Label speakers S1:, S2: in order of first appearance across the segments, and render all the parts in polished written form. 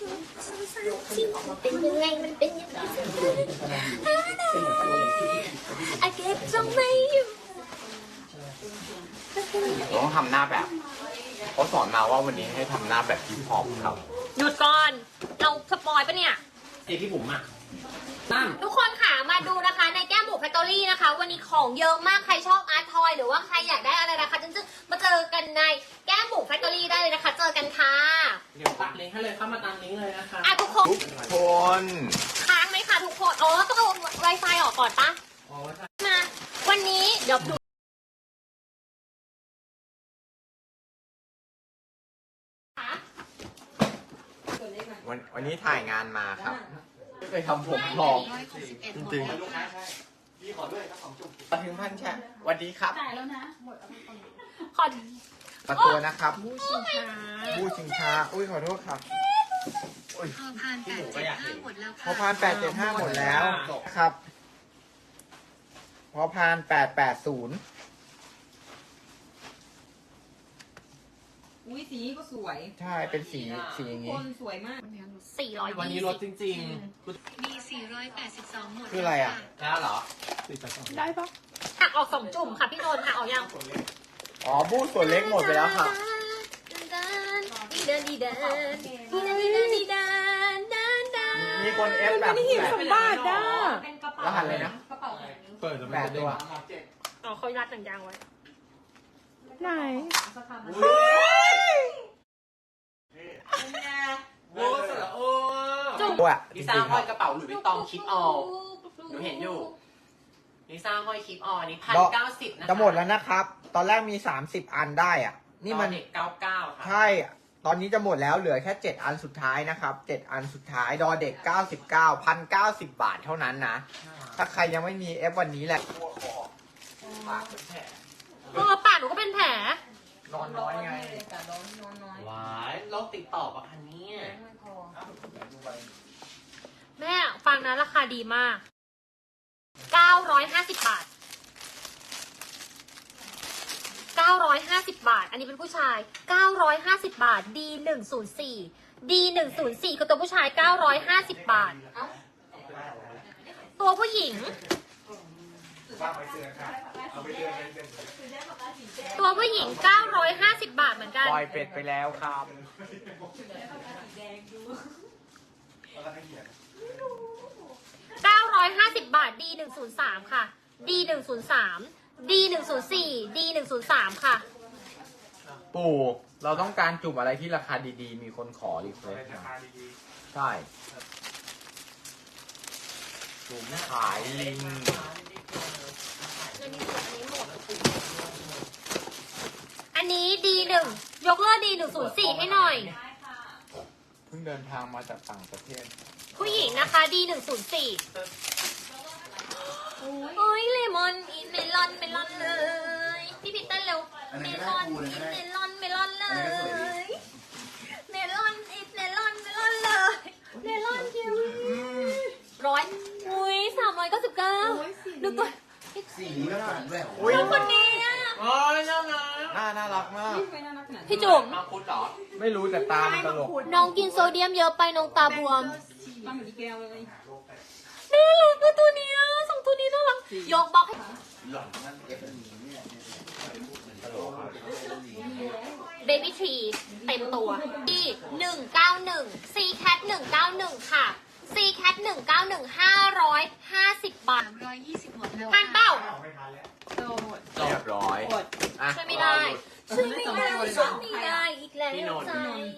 S1: เป็นยังไงมันเป็นยังไงอาเก็บทรงไม่อยู่
S2: ต้องทำหน้าแบบเขาสอนมาว่าวันนี้ให้ทำหน้าแบบฮิปฮอปครับ
S1: หยุดก่อนเราสปอยปะเนี่ย
S3: เอกพี่บุ๋มอ่ะตั้ม
S1: ทุกคนค่ะมาดูนะคะในแก้มบุกแฟคทอรี่นะคะวันนี้ของเยอะมากใครชอบอาร์ตทอยหรือว่าใครอยากได้อะไรนะคะจึ๊งๆมาเจอกันในแก้มบุกแฟคทอรี่ได้เลยนะคะเจอกันค่ะ
S3: เดี๋ยวตัดลิงก์ให้เลยเข้ามาตามลิงก์เลยนะคะ
S1: อ่ะทุกคน
S2: ทุกคน
S1: ค้างไหมคะทุกคนอ๋อต้องเอา Wi-Fi ออกก่อนปะ
S3: อ๋อใช่
S1: มาวันนี้เดี๋ยวดูค่ะ
S2: วันนี้ถ่ายงานมาครับไม่เคยทำผมทองจริงๆมาถึงพันแชร์สวัสดีครับ
S1: ขอ
S2: ประตูนะครับบูชิงช้าอุ้ยขอโทษครับอุ้ย
S4: พอผ่าน875หมดแล้ว
S2: พ
S4: ค่ะ
S2: อพาน875หมดแล้วครับ พอพาน880
S5: อุ้ยสีก็สวย
S2: ใช่เป็นสีอย่าง
S5: ค
S2: งี้
S5: นสวยมาก
S1: 420
S3: วันนี้ลดจริง
S4: มี 482 หมด
S2: คืออะไรอ่ะ
S3: ๆแล้วเหรอ
S1: หักออก2จุ่มค่ะพี่นนท์หักออกยัง
S2: อ๋อบูส่วนเล็กหมดไปแล้วครับ
S1: ดีเดินดีเดินดีเดินดีเดินดีเดินเดินเดิน
S2: มีคนเอฟแบบ
S5: บาทอ่ะ
S1: เป็นกระเป๋าร
S2: หัสเลยนะ
S5: กระเป๋า
S3: เปิดจะ
S2: แปดตัว
S1: อ๋อเขารัดหนังยางไว้
S5: ไหน
S3: โอ้เสร็จแล้วโอ้
S1: จุ่ม
S2: อ่ะจ
S3: ลิ
S2: ริ
S3: ซ่าง
S2: ๆค
S3: ห้
S2: รั
S3: อบ ยกระเป๋าหลุยส์วิตตองคิดออลหนูเห็นอยู่ลิซ่าห้อยคลิปออลอันนี้1,090นะคะ
S2: จะหมดแล้วนะครับ ตอนแรกมี30 อันได้อ่ะ นี่มัน
S3: เด็ก99ค่ะ
S2: ใช่ ตอนนี้จะหมดแล้วเหลือแค่7อันสุดท้ายนะครับ7อันสุดท้ายดอเด็ก99 1,090 บาทเท่านั้นนะ ถ้าใครยังไม่มีเอฟวันนี้แหละปากเป็นแผล
S1: ปากหนูก็เป็นแผล
S2: นอนน้อยไง
S5: แต่ร้อนนอนน้อย
S3: ว้ายโรคติดต่อปะคะเนี่ย
S5: ไม่พอ
S1: แม่ฟังนะราคาดีมาก 950 บาท 950 บาท อันนี้เป็นผู้ชาย 950 บาท D104 D104 คือตัวผู้ชาย 950 บาท ตัวผู้หญิง ตัวผู้หญิง 950 บาทเหมือนกัน
S2: ปล่อยเป็ดไปแล้วครับ
S1: 950 บาท D103 ค่ะ D103 D104 D103 ค่ะ
S2: ปู่ เราต้องการจุ่มอะไรที่ราคาดีๆ มีคนขอรีเควสต์มาใช่ จุ่มขายลิง
S1: อันนี้ D1 ยกเลิก D104 ให้หน่อย
S2: เพิ่งเดินทางมาจากต่างประเทศ
S1: ผู้หญิงนะคะ D104 โอ้ยเลมอนอีเมลอนเมลอนเลย พี่พิตเต้นเร็ว เมลอนอีเมลอนเมลอนเลย เมลอนอีเมลอนเมลอนเลย เมลอนคิวร้อยอุ้ย399ดูตัว
S6: สีนี้ก็ผ่านด้วย
S2: อุ้ย
S1: คนนี้อะ
S3: โอ้ยน่ารัก
S2: น่ารักมาก
S5: ไม่น่ารักขนาดนี้
S1: พี่จุ๋ม
S3: มังคุดเหรอ
S2: ไม่รู้แต่ตามันตลก
S1: น้องกินโซเดียมเยอะไปน้องตาบวม
S5: ตั้งเหมือนอีแก้วเลย
S1: น่ารักอะตัวเนี้ยสองตัวนี้น่ารักยกบล็อกให้
S6: หล่อนนั่นเอฟเป็นนี้เนี่ย
S1: เบบี้ทรีเต็มตัวที่191 C cat 191 ค่ะ C cat 191 550 บาท
S4: 320 หมดแล้ว
S1: ทานเป้า
S5: โตหมด
S2: เรียบร้อย
S5: หมด
S2: อ่ะ
S1: ช่วยไม่ได้ช่วยไม่ได้ช่วยไม่ได้อีกแล้วใจ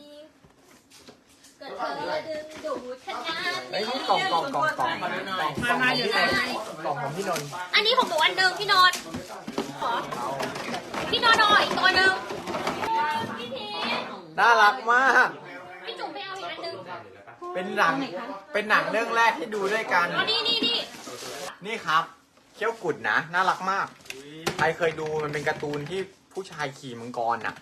S1: ก็เธอดึงดูดขนาด
S2: ไอ้ย
S1: นี้
S2: นี่กล่องของพี่นนท์
S1: อันนี้ของหนูอันหนึ่งพี่นนท์ขอพี่นนท์หน่อยอีกตัวหนึ่งพี่พีช
S2: น่ารักมาก
S1: พี่จุ๋มไปเอาอีกอันหนึ่ง
S2: เป็นหนังเรื่องแรกที่ดูด้วยกัน
S1: อ๋อนี่
S2: นี่ครับเขี้ยวกุดนะ น่ารักมาก ใครเคยดูมันเป็นการ์ตูนที่ผู้ชายขี่มังกรน่ะ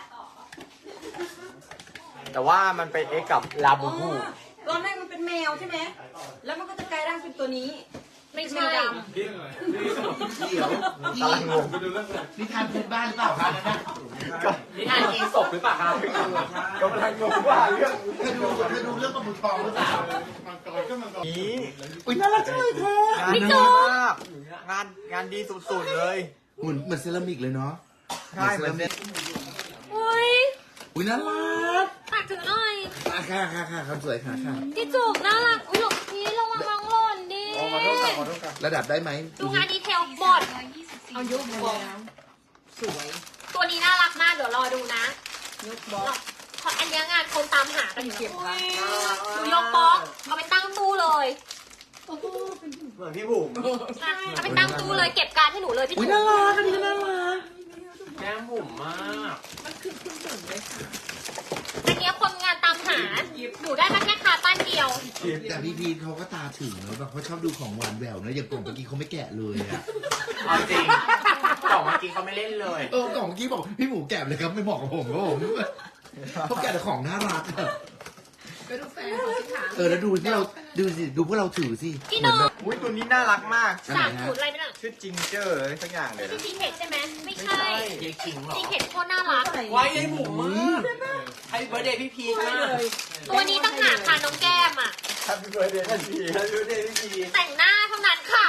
S2: แต่ว่ามันไปเอ็กกับลาบูบู
S5: ตอนแรกมันเป็นแมวใช่ไหม แล้วมันก็จะกลายร่างเป็นตัวนี้
S1: ไม่ใช่
S6: เดี๋ยว
S2: กำลังงง
S6: นิทานพื้นบ้านหรือเปล่าคะนั่นน่ะ
S3: นิทานอีศพหรือเปล่าครับ
S2: กำลังงงว่าเรื่อง
S6: เธอดูเรื่องปลาหมึกทองหรือเปล่า
S2: นี้
S6: อุ้ยน่ารักจังเลยเธอง
S2: านดีมากงานดีสุดๆเลย
S6: เหมือนเซรามิกเลยเนาะ
S2: ใช่เหมือนเซ็ต
S1: อุ้ย
S6: อุ้ยน่ารัก
S1: ตักถือหน่อย
S6: ค่ะคำสวยค่ะ
S1: พี่จุกน่ารักอุ้ยหลบพี่ระวังน้องหล่นดิ
S2: ขอโทษครับขอโทษครับ
S6: ระดับได้ไหม
S1: ดูงานดีเทลบด
S5: เอายกบอกสวย
S1: ตัวนี้น่ารักมากเดี๋ยวรอดูนะ
S5: ยกบอก
S1: เพราะอันเนี้ยงานคนตามหากันอยู่
S5: เก็บค่ะ
S1: หนูยกบล็อกเอาไปตั้งตู้เลย
S5: โอ้โหเป็น
S2: เหมือนพี่บุ๋ม
S1: อ่ะเอาไปตั้งตู้เลยเก็บการดให้หนูเลยพี่
S6: อุ้ย
S1: จุ๊
S6: น่ารักอันนี้น่ารัก
S3: แก้มบุ๋มมาก
S5: มันคือคุณจุ๋มเลยค่ะ
S1: อันเนี้ยคนงานตามหาหนูได้มาแค่คาตั้นเดียว
S6: แต่พี่พีทเขาก็ตาถึงเนอะแบบเขาชอบดูของหวานแหววเนอะอย่างกล่องเมื่อกี้เขาไม่แกะเลยอะ
S3: เอาจริงกล่องเมื่อกี้เขาไม่เล่นเลย
S6: กล่องเมื่อกี้บอกพี่หมูแกะเลยครับไม่เหมาะกับผมครับผมเขาแกะแต่ของน่ารักอะ
S5: ไปดูแฟนเขาสิค่ะ
S6: แล้วดูที่เราดูสิดูพวกเราถือสิ
S1: พี่
S6: เหมื
S1: น้
S6: อ
S1: อน ง
S6: แบบ
S2: อุ้ยตัวนี้น่ารักมาก
S1: สามสูตรอะไรไม่น่ะ
S2: ชื่อจิงเจอร์อะไรสักอย่างเลย
S1: พี่
S2: นะ
S1: ซีเทคใช่ไหมไม่
S3: ไม่
S1: ใช่
S3: ใช่ยายคิงเหรอ
S1: ซีเทคโคตรน่ารัก
S3: ไว้ยายบุ๋มมากให้เบอร์เดย์พี่พีชมาก
S1: ตัวนี้ตั้งหากค่ะน้องแก้มอ่ะ
S2: แฮปปี้เบิร์ดเดย์พี่พีแฮปปี้เบิร์ดเดย์พี่พี
S1: แต่งหน้าเท่านั้นค่ะ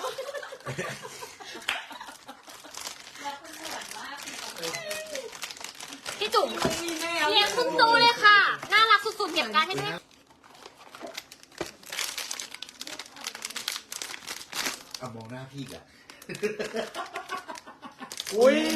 S1: พี่จุ๋มเลี้ยงคุณตูเลยค่ะ น่ารักสุดๆเก็บการดให้ด้วย
S6: เอามองหน้าพี่กัน
S2: อุ้ย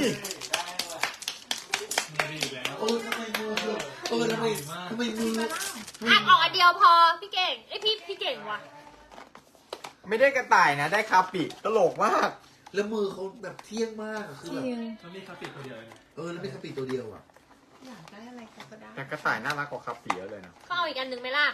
S6: ทำไมมือทำไมมือ
S1: อ่ะออกอันเดียวพอพี่เก่งไอยพี่เก่งว่ะ
S2: ไม่ได้กระต่ายนะ ได้คาปิตลกมาก
S6: แล้วมือเขาแบบเที่ยงมากอะคือแบบ
S7: มันมีคาปิดตัวเดียวเอง
S6: แล้วไม่คาปิดตัวเดียวอ่ะ
S5: อยากได้อะไรเขาก็ได้
S2: แต่กระต่ายน่ารักกว่าคาปิเยอะเลยนะ
S1: เขาเอาอีกอันหนึ่งไหมล่ะ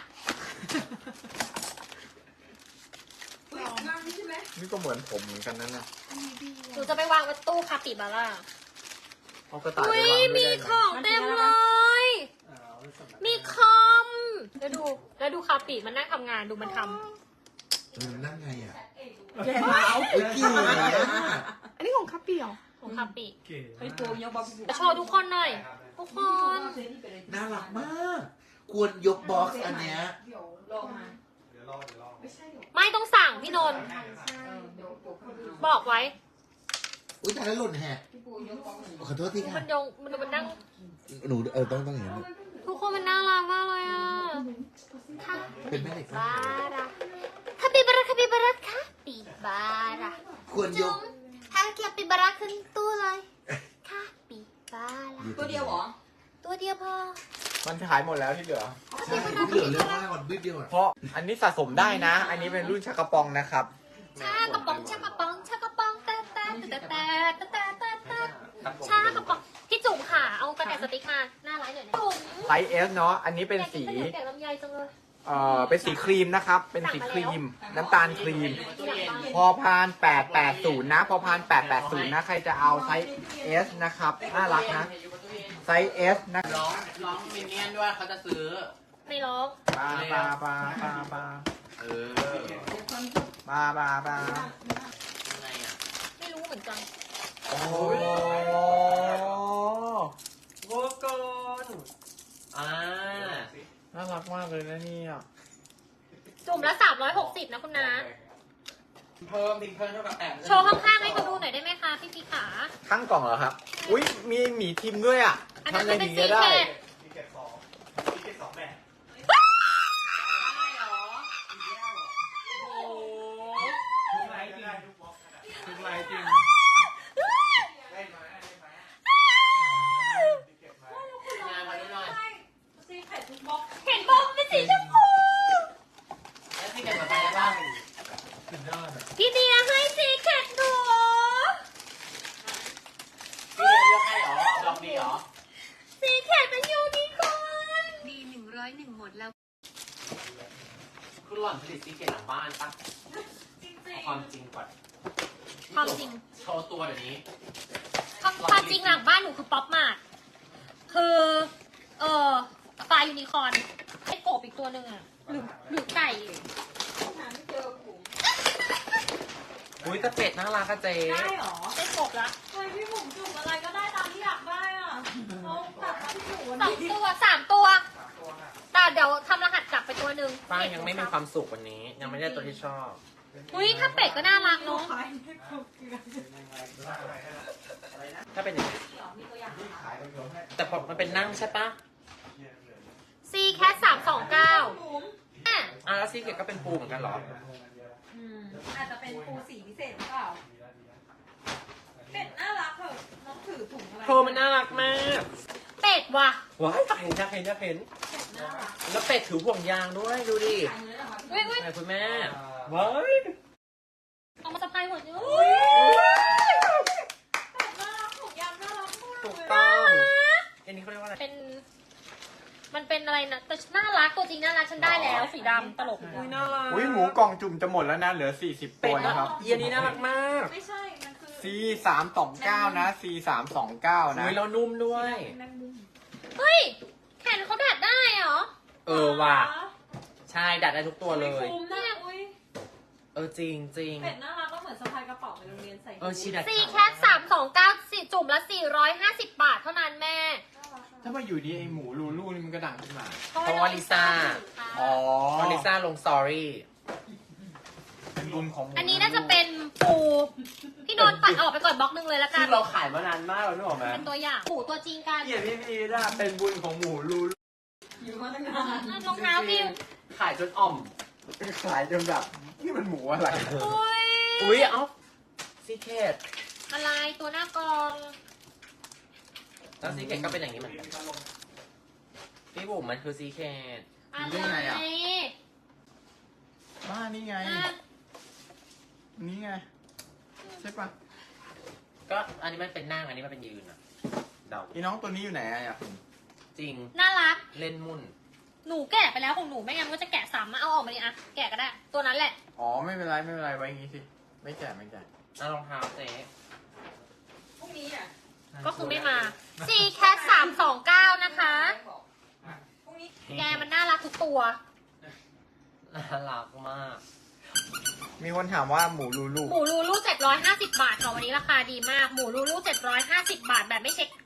S5: นั่งใช่ไหม
S2: นี่ก็เหมือนผมเหมือนกันนั่นนะ
S1: หนูจะไปวางไว้ตู้คาปิบาร่า
S2: เอากระต่ายไป
S1: อุ้ยว
S2: างด้
S1: มี
S2: วย
S1: ข
S2: ได้
S1: อ
S2: ไหม
S1: งเต็มเลย มีคอม แล้วดูคาปิมันนั่งทำงานดูมันท
S6: มันนั่งไงอ่ะ
S5: แย่หนาว
S6: เฮ้ยเกี่ยวนะ
S5: อันนี้ของคัปปี้เหรอ
S1: ำของคาปิ
S7: เก๋
S5: เฮ้ยตัวยกบอก
S1: จะโชว์ทุกคนหน่อย ทุกคน
S6: น่ารักมาก ควรยกบ็อกซ์อันเนี้ย
S5: เดี๋ยวรอมา
S7: เดี๋ยวรอ
S1: ไม่ต้องสั่งพี่นนท์บอกไว้
S6: อุ้ยตายแล้วหล่นแฮะขอโทษที
S1: มั
S6: ค่ะ
S1: นยงมันนั่ง
S6: หนูต้องอย่างนั้น
S1: ทุกคนมันน่ารักมากเลยอ่ะค่ะ
S6: เป็นแม่เหล็ก
S1: บาระคาปิบาระคาปิบาระคาปิบาระ
S6: ควรย
S1: จุ๊
S6: ก
S1: งถ้าคาปิบาระขึ้นตู้เลยคาปิบาระ
S5: ตัวเดียวเหรอ
S1: ตัวเดียวพอ
S2: มันขายหมดแล้วที่เหลือ
S6: ใช่เหลือเรื่องมากก่อนบิ๊บเดียวอ่ะ
S2: เพราะอันนี้สะสมได้นะ อันนี้เป็นรุ่นชักกระปองนะครับ
S1: ชากระป๋องชากระป๋องชากระป๋องแต่ชากระป๋องพี่จุ๋มค่ะเอากระแตสติ๊กมาหน้าร้านหน่อยนะจุ๋ม
S2: ไซส์ S เนาะ อันนี้เป็นสี
S1: แกะลำไยจังเลย
S2: เป็นสีครีมนะครับ เป็นสีครีม น้ำตาลครีม พอพาน880 นะ พอพาน880 นะ ใครจะเอาไซส์ S นะครับ น่ารักนะ ไซส์ S นะ
S3: ร้องมินเนี่ยนด้วยเขาจะซื้อ
S1: ไม่ร้อง
S2: ปาปา
S3: เออ
S2: ปา
S3: ยังไงอ่ะ
S1: ไม่รู้เหมือนกัน
S2: โอ้
S3: โวกอน
S2: น่ารักมากเลยนะเนี่ย
S1: จุ่มละ360นะคุณน้า
S3: เพิ่มทิ้งเพิ่มเท่ากับแอบ
S1: โชว์ข้างๆให้เขาดูหน่อยได้ไหมคะพี่ขา
S2: ข้างกล่องเหรอครับ อุ้ยมีหมีทิมด้วยอ่ะ
S1: อันนั้น
S2: ทำอะไร
S1: เป็น
S2: ถึง
S1: สี
S2: จะได้
S1: เขต
S7: มีเก็บสองมีเก็บสองแบบ ทุกไลฟ์ได้ทุกบล็อกทุกไลฟ์จริงได้ไหมเก็บไหม
S3: งานมาดูหน่อย
S1: เห็นบอกเป็นสีชมพู
S3: แล้วที่เก็บมาไปได้บ้าง
S7: สุดยอดอ่ะ
S1: พี่เดียให้สีเขตหนู
S3: พี่เลือกให้เหรอลองดีเหรอ
S1: สีเขตเป็นยูนิคอร์น
S4: ดี101หมดแล้ว
S3: คุณหล่อนผลิตซีเกตหลังบ้านปะความจริงก่อน
S1: ความจริง
S3: โชว์ตัวเดี๋ยวนี้
S1: ความจริงหลังบ้านหนูคือป๊อปมาร์ทคือปลายูนิคอร์นไอ้กบอีกตัวหนึ่งอ่ะหรือไก่
S3: อุ้ยแต่เป็ดน่ารักอะเจ๊
S5: ได้เหรอ
S1: ได้กบละ
S5: เฮ้ยพี่บุ๋มจุ่มอะไรก็ได้ตามที่อยากได้อ่ะน้องตัดมาที่หนูวัน
S1: สอง
S5: นี้
S1: ตัวสามตัว แต่เดี๋ยวทำรหัสกลับไปตัวหนึ่ง
S3: ป้ายังไม่มีความสุขวันนี้ ยังไม่ได้ตัวที่ชอบ
S1: อุ้ยถ้าเป็ดก็น่ารักเนาะ
S5: ขายให้ครบเกลือ
S3: ถ้าเป็นอย่างนี้แต่พอมันเป็นนั่งใช่ปะ
S1: ซีแคท329
S3: อ่ะแล้วซีเกตก็เป็นปูเหมือนกันเหรอ
S5: อาจจะเป็นปูสีพิเศษหรือเปล่าเป็ดน่ารักเถอะน้องถือถุงอะไร
S3: เธอมันน่ารักมาก
S1: เป็ดว่ะ
S3: ว้ายอยากเห็นอยากเห็นอยากเห็น
S5: เป็ดน่ารัก
S3: แล้วเป็ดถือห่วงยางด้วยดูดิ
S5: ขายเลยเหรอคะ
S1: อุ้ยอุ้ย
S3: ไหนคุณแม่ว้าย
S1: เอามาสะพายหัวเนี่ย
S5: เป็ดน่ารักถุงยางน่ารักมาก
S3: ถูก
S5: เลย
S3: ต้องอันนี้เขาเรียกว่าอะไร
S1: มันเป็นอะไรนะแต่น่ารักตัวจริงน่ารักฉันได้แล้วสีดำตลก
S3: อุ้ยน่ารัก
S2: อุ้ยหมูกล่องจุ่มจะหมดแล้วนะเหลือ40
S3: เป็
S2: ตั
S3: ด
S2: ว
S3: นะ
S2: นะ
S3: ค
S2: ค
S3: รั
S2: รั
S3: บบ อันนี้น่ารักมาก
S5: ไม่ใช่ มันคือ
S2: C329 นะ C329 นะ
S3: อุ้ยแล้วนุ่มด้วย
S5: แมงมุม
S1: เฮ้ยแขนเขาดัดได้เหรอ
S3: เออว่ะใช่ดัดได้ทุกตัวเลย
S5: คุ้มนะอุ้ย
S3: เออจริงจริง
S5: เป็ดน่ารักก็เหมือนสะพายกระเป๋าไปโรงเรียนใส่
S3: เออชีดัด
S1: ซีแคท329จุ่มละ450 บาทเท่านั้นแม่
S2: ถ้ามาอยู่ดีไอหมูลูลูนี่มันก็ดังขึ้นมา
S3: เพราะว่าลิซ่า
S2: อ๋อ
S3: เพราะลิซ่าลงสตอรี่
S2: เป็นบุญของหมู
S1: อันนี้น่าจะเป็นปูพี่นนท์ตัดออกไปก่อนบล็อกนึงเลยละกั
S3: ซึ่
S1: น
S3: งเราขายมานานมากแล้วนึกออกไหม
S1: เป็นตัวอย่างปูตัวจริงกัน
S2: เกียรติพี่นะเป็นบุญของหมูลูลู
S5: อยู่มาตั้งนาน
S1: รองเท้าพี่
S3: ขายจนอ่อม
S2: ขายจนแบบนี่มันหมูอะไร
S1: อุ้ย
S3: อุ้ยเอ้าซีเคท
S1: อะไรตัวหน้ากอง
S3: แล้วซีเคทก็เป็นอย่างนี้เหมือนกันพี่บุ๋มมันคือซีเคท
S1: อะไร
S2: บ้านี่ไง
S1: อ่ะ
S2: นี่ไง ใช่ปะ
S3: ก็อันนี้มันเป็นนั่งอันนี้มันเป็นยืนอะเดา
S2: อีน้องตัวนี้อยู่ไหนอะอยากเห็น
S3: จริง
S1: น่ารัก
S3: เล่นมุ่น
S1: หนูแกะไปแล้วของหนูไม่งั้นมันก็จะแกะซ้ำมาเอาออกมาดิอะแกะก็ได้ ตัวนั้นแหละ
S2: อ๋อไม่เป็นไรไม่เป็นไรไว้อย่างงี้สิ ไม่แก่ไม่แก่
S3: แล้วรองเท้าเจ๊
S5: พรุ่งนี้อ่ะ
S1: ก็คือไม่มาC Cat 329นะคะ
S5: พรุ่งนี้
S1: แกมันน่ารักทุกตัว
S3: น่ารักมาก
S2: มีคนถามว่าหมูลูลู
S1: หมูลูลู750 บาทค่ะวันนี้ราคาดีมาก หมูลูลู750 บาทแบบไม่เช็ค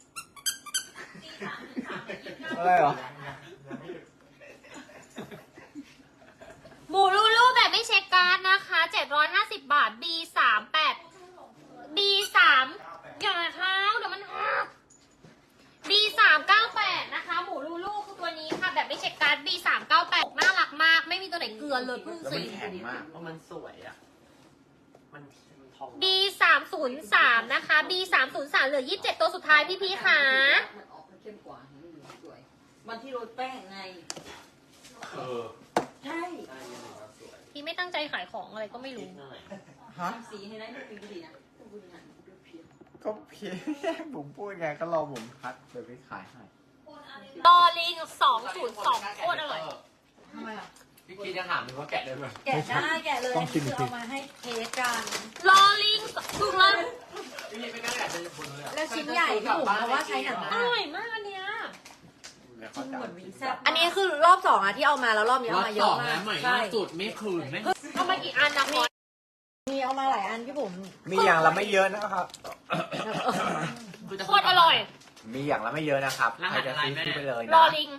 S2: อะไรเหรอ
S1: หมูลูลูแบบไม่เช็คการ์ดนะคะ750 บาท B38 B3 อย่าเท้าเดี๋ยวมันหัก B398 นะคะ หมูลูลูคือตัวนี้ค่ะแบบไม่เช็คการ์ด B398 น่ารักมาก ไม่มีตัวไหนเกลือนเลยเพิ่ง
S2: แล้วมั
S1: สี
S2: นแข็งมาก
S3: เพราะมันสวยอะมันทอง
S1: B303 นะคะ B303 เหลือ27ตัวสุดท้ายพี่ๆค่ะ
S8: มันออกมาเข้มกว่าให้มันดูสวยวันที่โรยแป้งไง
S3: เออ
S8: ใช่
S3: ใช่ยังไงก็สวย
S1: พี่ไม่ตั้งใจขายของอะไรก็ไม่
S3: นิ
S1: รู้
S3: ดหน่อย
S2: ฮะ
S8: ทำสีให้ได้ดูดีดีนะต้องดูงานดูเพียง
S2: ก็เพียงผมพูดไงก็รอผมคัดเดี๋ยวไปขายให้
S1: ดอลิง202โคตรอร่อย
S8: ทำไมอ่ะ
S3: พี่คิดจะถามหนูว่าแกะได้ไหม
S8: แกะได้แกะเลย
S2: ต้องชิมอี
S8: คื
S2: กที
S8: เอามาให้เทสกัน
S1: ลอลิงถูกแล้ว
S3: พี่คิดไม่กล้าแกะเป็นคนเลยอะ
S8: แล้วชิ้นใหญ่พี่บุ๋มเพราะว่าใช้หนัง
S1: อ
S8: มาก
S1: ร่อยมากอันเนี้ย
S2: แล้ว
S8: กิ
S2: เขา
S8: น
S2: จะ
S8: เหมือนวิงแซ่บอันนี้คือรอบสองอะที่เอามาแล้วรอบนี้เอามาเยอะมากใช่
S3: ไม่คืนไม่
S1: เอามากี่อันนะพอ
S8: มีเอามาหลายอันพี่บุ๋ม
S2: มีอย่างละไม่เยอะนะครับ
S1: โคตรอร่อย
S2: มีอย่างละไม่เยอะนะครับใครจะซื้อซื้อไปเลย
S1: ลอ
S2: นะ
S1: ลิง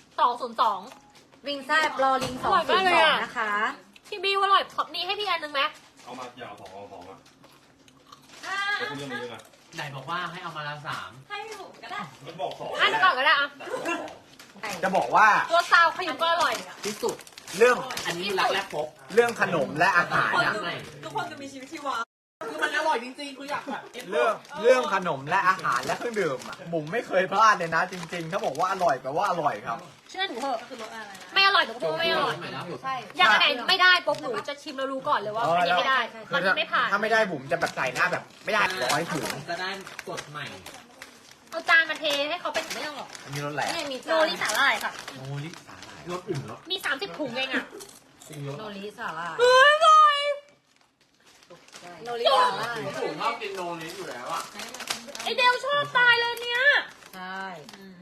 S1: 202
S8: วิงแซ่บรอลิง
S1: อร่อยมากเลยอะ
S8: 202นะคะ
S1: พี่บิวอร่อยขอบนี้ให้พี่อันนึงไหม
S7: เอามาอย่าเอาสองอ่ะแล้วคุณเรื่องนี้ด้วยนะ
S3: ไหนบอกว่าให้เอามาละ3
S5: ให้พี่บุ๋มก็ได้
S7: แล้วบอกสอง
S1: อันก่อนก็ได้อะ
S2: จะบอกว่า
S1: ตัวซาวขยุมก็อร่อย
S3: ที่สุด
S2: เรื่อง
S3: อันนี้รักแรกพบ
S2: เรื่องขนมและอาหาร
S3: ยั
S2: นะ
S3: งไง
S5: ทุกคนจะมีชีวิตชีวา
S3: คือมันอร่อยจริงๆคืออยากแบบ
S2: เรื่องขนมและอาหารและเครื่องดื่มอะบุ๋มไม่เคยพลาดเลยนะ จริงๆ ถ้าบอกว่าอร่อยแปลว่าอร่อยครับ
S1: เชื่อหนูเถอะ
S5: คือรสอะไรนะ
S1: ไม่อร่อยหนูก็พูดว่าไม่อร่อย
S8: ใช่
S1: อย่างไหนไม่ได้ปุ๊บหนูจะชิมแล้วรู้ก่อนเลยว่าอันนี้ไม่ได้
S2: คื
S1: มั
S2: อน ถ้า
S1: ไม่ผ่าน
S2: ถ้าไม่ได้บุ๋มจะแบบใส่หน้าแบบ ไม่ได้ร้อยถึง
S3: จะได้กดใหม่
S1: เอาจานมาเทให้เขาเป็นไม่ต้องหรอก
S2: อันนี้รสแหลก
S8: นี่มี
S1: โนริสาหร่ายค่ะ
S2: โอ้ลิสาหร่าย
S3: รสอื่นแล้ว
S1: มี30ถุงเองอะ
S8: โนริสาลาย
S1: เฮ้ยอร่อย
S8: โนริสาลาย
S3: ผมชอบกินโนนี้อยู่แล้วอ่ะ
S1: ไอเดลชอบตายเลยเนี่ย
S8: ใช่